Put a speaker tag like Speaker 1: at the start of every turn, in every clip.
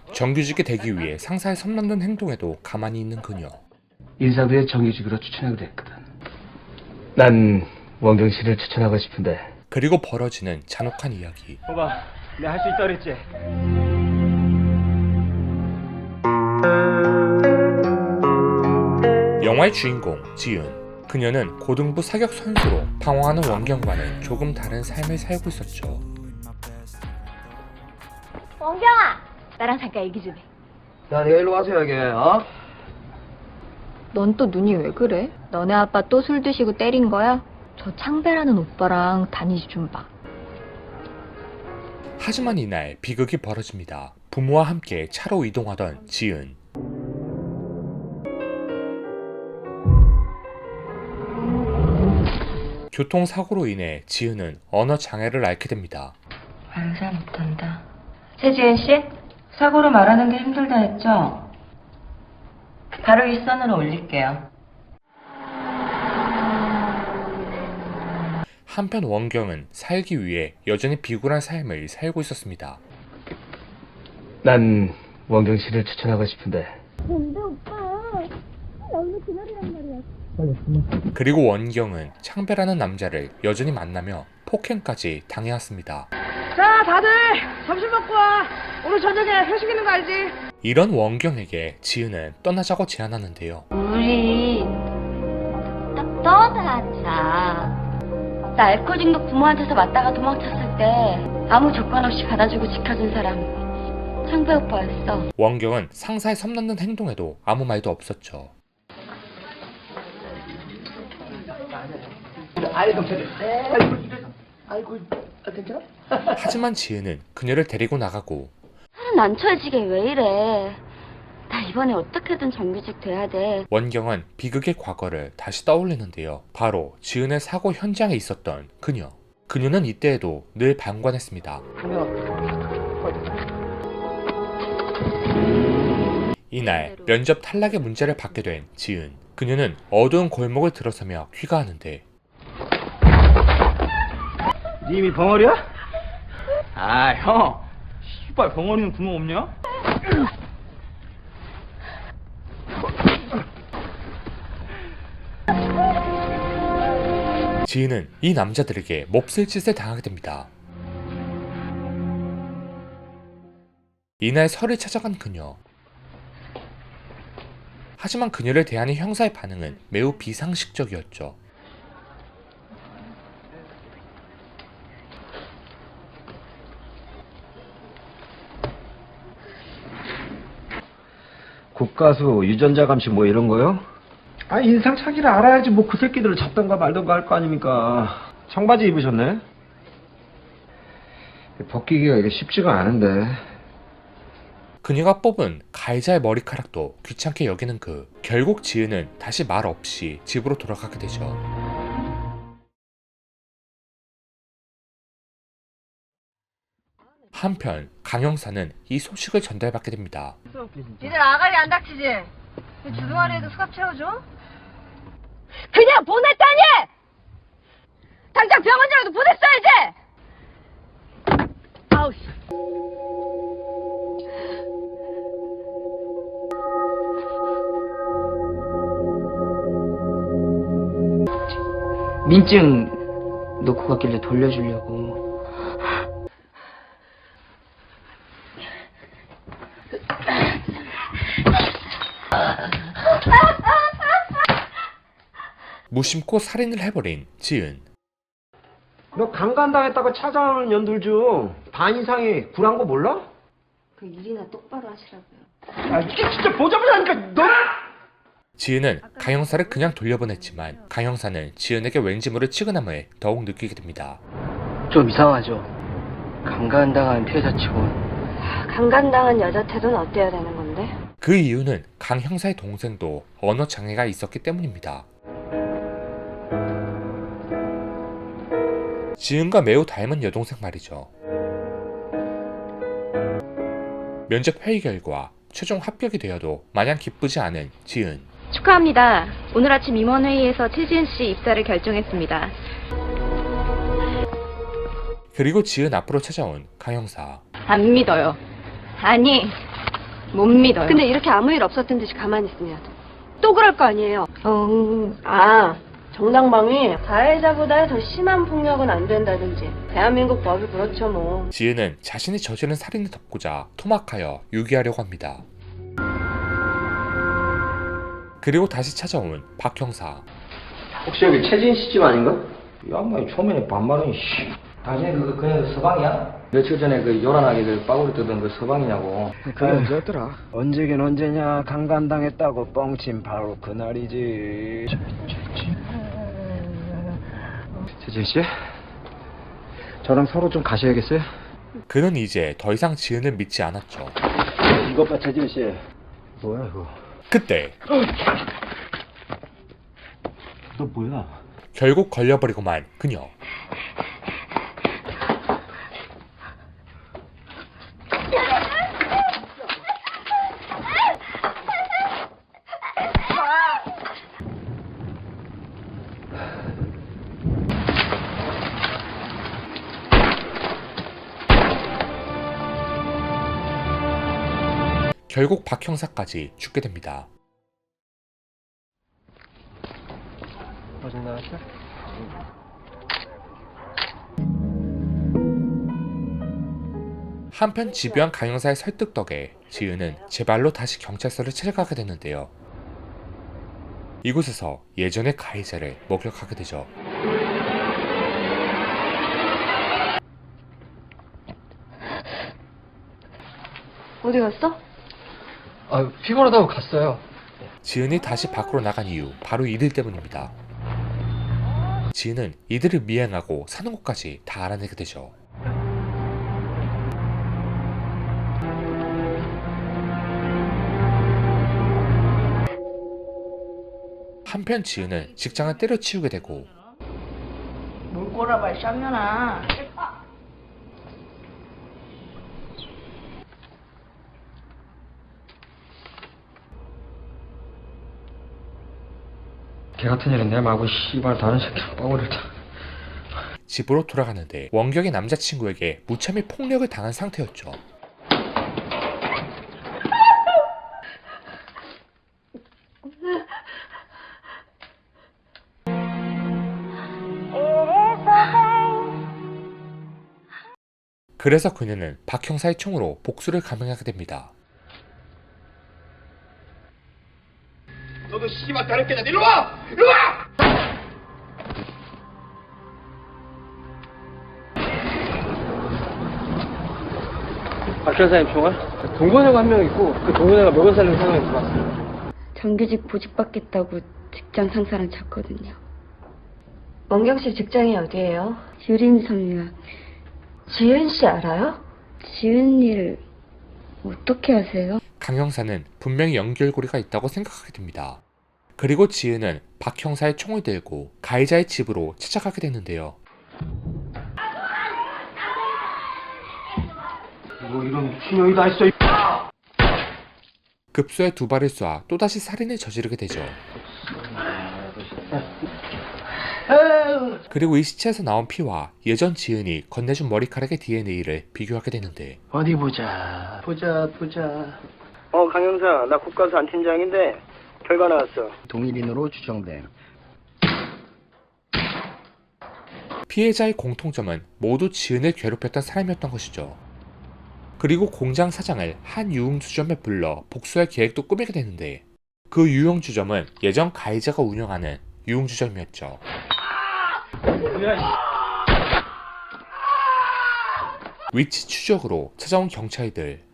Speaker 1: 정규직이 되기 위해 상사의 선 넘는 행동에도 가만히 있는 그녀.
Speaker 2: 인사부에 정규직으로 추천하기로 했거든.
Speaker 3: 난 원경 씨를 추천하고 싶은데.
Speaker 1: 그리고 벌어지는 잔혹한 이야기.
Speaker 3: 봐봐, 내가 할 수 있다 그랬지?
Speaker 1: 영화의 주인공 지은. 그녀는 고등부 사격 선수로 방황하는 원경과는 조금 다른 삶을 살고 있었죠.
Speaker 4: 원경아! 나랑 잠깐 얘기 좀 해.
Speaker 2: 야, 내가 일로 와서 얘기해, 어?
Speaker 4: 넌 또 눈이 왜 그래? 너네 아빠 또 술 드시고 때린 거야? 저 창배라는 오빠랑 다니지 좀 봐.
Speaker 1: 하지만 이날 비극이 벌어집니다. 부모와 함께 차로 이동하던 지은. 교통사고로 인해 지은은 언어 장애를 앓게 됩니다.
Speaker 5: 말을 잘 못한다. 최지은 씨, 사고로 말하는 게 힘들다 했죠? 바로 윗선으로 올릴게요.
Speaker 1: 한편 원경은 살기 위해 여전히 비굴한 삶을 살고 있었습니다.
Speaker 3: 난 원경 씨를 추천하고 싶은데.
Speaker 4: 근데 오빠, 나 오늘 그날이란 말이야.
Speaker 1: 그리고 원경은 창배라는 남자를 여전히 만나며 폭행까지 당해왔습니다.
Speaker 6: 자, 다들 점심 먹고 와. 오늘 저녁에 회식 있는 거 알지?
Speaker 1: 이런 원경에게 지은은 떠나자고 제안하는데요.
Speaker 5: 우리 딱 떠나자. 나 알코올 중독 부모한테서 맞다가 도망쳤을 때 아무 조건 없이 받아주고 지켜준 사람 창배 오빠였어.
Speaker 1: 원경은 상사의 섬 넘는 행동에도 아무 말도 없었죠.
Speaker 2: 아이고, 괜찮아?
Speaker 1: 하지만 지은은 그녀를 데리고 나가고
Speaker 5: 살은 안 쳐지게 왜 이래. 나 이번에 어떻게든 정규직 돼야 돼.
Speaker 1: 원경은 비극의 과거를 다시 떠올리는데요. 바로 지은의 사고 현장에 있었던 그녀. 그녀는 이때에도 늘 방관했습니다. 이날 면접 탈락의 문제를 받게 된 지은. 그녀는 어두운 골목을 들어서며 귀가하는데
Speaker 3: 님이 벙어리야? 아, 형. 씨발, 벙어리는 구멍 없냐?
Speaker 1: 지은은 이 남자들에게 몹쓸 짓을 당하게 됩니다. 이날 설을 찾아간 그녀. 하지만 그녀를 대하는 형사의 반응은 매우 비상식적이었죠.
Speaker 2: 국가수, 유전자 감시 뭐 이런 거요? 아, 인상 차기를 알아야지 뭐 그 새끼들을 잡던가 말던가 할 거 아닙니까? 청바지 입으셨네? 벗기기가 이게 쉽지가 않은데.
Speaker 1: 그녀가 뽑은 가해자의 머리카락도 귀찮게 여기는 그. 결국 지은은 다시 말 없이 집으로 돌아가게 되죠. 한편 강 형사는 이 소식을 전달받게 됩니다.
Speaker 6: 니들 아가리 안 닥치지? 주둥아리에도 수갑 채워줘?
Speaker 4: 그냥 보냈다니! 당장 병원이라도 보냈어야지! 아우, 씨.
Speaker 5: 민증 놓고 갔길래 돌려주려고.
Speaker 1: 무심코 살인을 해버린 지은.
Speaker 2: 너 강간당했다고 찾아오는 년들 중 반 이상이 굴한 거 몰라?
Speaker 5: 그 일이나 똑바로 하시라고요.
Speaker 2: 아, 이게 진짜 보자마자 너!
Speaker 1: 지은은 강 형사를 그냥 돌려보냈지만 강 형사는 지은에게 왠지 모를 치근함을 더욱 느끼게 됩니다.
Speaker 3: 좀 이상하죠? 강간당한 피해자치고.
Speaker 5: 강간당한 여자 태도는 어때야 되는 건데?
Speaker 1: 그 이유는 강 형사의 동생도 언어 장애가 있었기 때문입니다. 지은과 매우 닮은 여동생 말이죠. 면접 회의 결과 최종 합격이 되어도 마냥 기쁘지 않은 지은.
Speaker 4: 축하합니다. 오늘 아침 임원회의에서 최지은 씨 입사를 결정했습니다.
Speaker 1: 그리고 지은 앞으로 찾아온 강 형사.
Speaker 4: 안 믿어요. 아니,
Speaker 6: 못 믿어요.
Speaker 7: 근데 이렇게 아무 일 없었던 듯이 가만히 있으면
Speaker 6: 또 그럴 거 아니에요.
Speaker 7: 정당방위 가해자보다 더 심한 폭력은 안 된다든지 대한민국 법이 그렇죠 뭐.
Speaker 1: 지은은 자신이 저지른 살인을 덮고자 토막하여 유기하려고 합니다. 그리고 다시 찾아온 박 형사.
Speaker 2: 혹시 여기 최진 씨 집 아닌가? 이 양반이 초면에 반말은 당신이 그냥 서방이야? 며칠 전에 그 요란하게 그 빠구리 뜨던 그 서방이냐고.
Speaker 3: 그게 언제였더라? 언제긴 언제냐. 강간당했다고 뻥친 바로 그날이지.
Speaker 2: 최진 씨? 저랑 서로 좀 가셔야겠어요?
Speaker 1: 그는 이제 더 이상 지은을 믿지 않았죠.
Speaker 2: 이것 봐, 최진 씨. 뭐야 이거?
Speaker 1: 그때
Speaker 2: 너 뭐야?
Speaker 1: 결국 걸려버리고만 그녀. 결국 박 형사까지 죽게 됩니다.
Speaker 2: 어디 나왔어?
Speaker 1: 한편 집요한 강 형사의 설득 덕에 지은은 제 발로 다시 경찰서를 찾아가게 되는데요. 이곳에서 예전의 가해자를 목격하게 되죠.
Speaker 7: 어디 갔어?
Speaker 3: 피곤하다고 갔어요.
Speaker 1: 지은이 다시 밖으로 나간 이유 바로 이들 때문입니다. 지은은 이들을 미행하고 사는 곳까지 다 알아내게 되죠. 한편 지은은 직장을 때려치우게 되고
Speaker 6: 뭘 꼬라봐, 쌍년아.
Speaker 2: 걔 같은 일은 내 말고 씨발 다른 새끼랑 빠구리를 타.
Speaker 1: 집으로 돌아가는데 원격의 남자친구에게 무참히 폭력을 당한 상태였죠. 그래서 그녀는 박 형사의 총으로 복수를 감행하게 됩니다.
Speaker 3: 너도 씨발 다른 개다. 이리 와! 이리 와!
Speaker 2: 박 형사님 총알? 동거녀가 한 명 있고 그 동거녀가 먹은 살림 상황에 들어왔어요.
Speaker 7: 정규직 보직받겠다고 직장 상사랑 잤거든요. 원경 씨 직장이 어디예요? 유림섬이요. 지은 씨 알아요? 지은 일 어떻게 아세요?
Speaker 1: 강 형사는 분명히 연결고리가 있다고 생각하게 됩니다. 그리고 지은은 박 형사의 총을 들고 가해자의 집으로 찾아가게 되는데요.
Speaker 2: 뭐 이런 신용이 다 있어.
Speaker 1: 급소에 두 발을 쏴 또다시 살인을 저지르게 되죠. 그리고 이 시체에서 나온 피와 예전 지은이 건네준 머리카락의 DNA를 비교하게 되는데
Speaker 3: 어디 보자. 보자.
Speaker 2: 강형사, 나 국가수 안 팀장인데 결과 나왔어.
Speaker 3: 동일인으로 추정됨.
Speaker 1: 피해자의 공통점은 모두 지은을 괴롭혔던 사람이었던 것이죠. 그리고 공장 사장을 한 유흥주점에 불러 복수할 계획도 꾸미게 되는데 그 유흥주점은 예전 가해자가 운영하는 유흥주점이었죠. 위치 추적으로 찾아온 경찰들.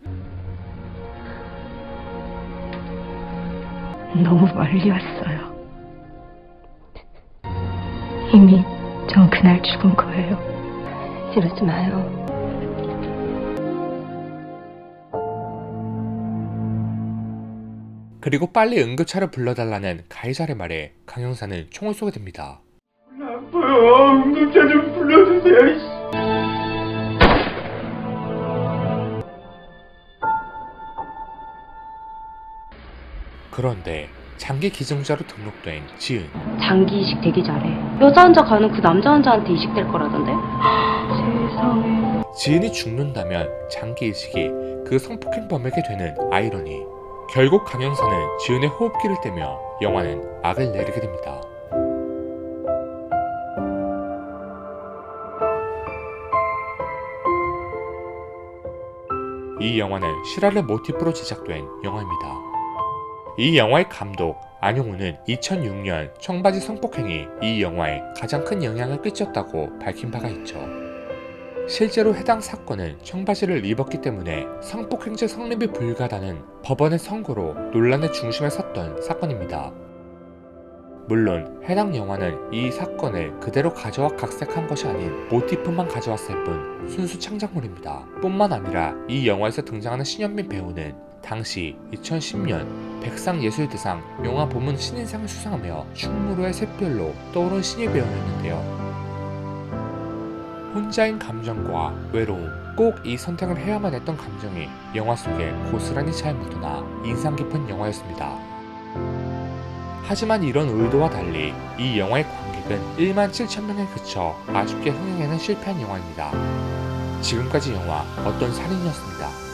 Speaker 4: 너무 멀리 왔어요. 이미 전 그날 죽은 거예요.
Speaker 7: 이러지 마요.
Speaker 1: 그리고 빨리 응급차를 불러달라는 가해자의 말에 강 형사는 총을 쏘게 됩니다.
Speaker 2: 응급차 좀 불러주세요.
Speaker 1: 그런데 장기 기증자로 등록된 지은.
Speaker 7: 장기 이식 되게 잘해. 여자 환자 가는 그 남자 환자한테 이식될 거라던데?
Speaker 1: 지은이 죽는다면 장기 이식이 그 성폭행범에게 되는 아이러니. 결국 강형사는 지은의 호흡기를 떼며 영화는 악을 내리게 됩니다. 이 영화는 실화를 모티프로 제작된 영화입니다. 이 영화의 감독 안용우는 2006년 청바지 성폭행이 이 영화에 가장 큰 영향을 끼쳤다고 밝힌 바가 있죠. 실제로 해당 사건은 청바지를 입었기 때문에 성폭행죄 성립이 불가하다는 법원의 선고로 논란의 중심에 섰던 사건입니다. 물론 해당 영화는 이 사건을 그대로 가져와 각색한 것이 아닌 모티프만 가져왔을 뿐 순수 창작물입니다. 뿐만 아니라 이 영화에서 등장하는 신현민 배우는 당시 2010년 백상예술대상 영화부문 신인상을 수상하며 충무로의 샛별로 떠오른 신인 배우였는데요. 혼자인 감정과 외로움, 꼭 이 선택을 해야만 했던 감정이 영화 속에 고스란히 잘 묻어나 인상 깊은 영화였습니다. 하지만 이런 의도와 달리 이 영화의 관객은 17,000명에 그쳐 아쉽게 흥행에는 실패한 영화입니다. 지금까지 영화 어떤 살인이었습니다.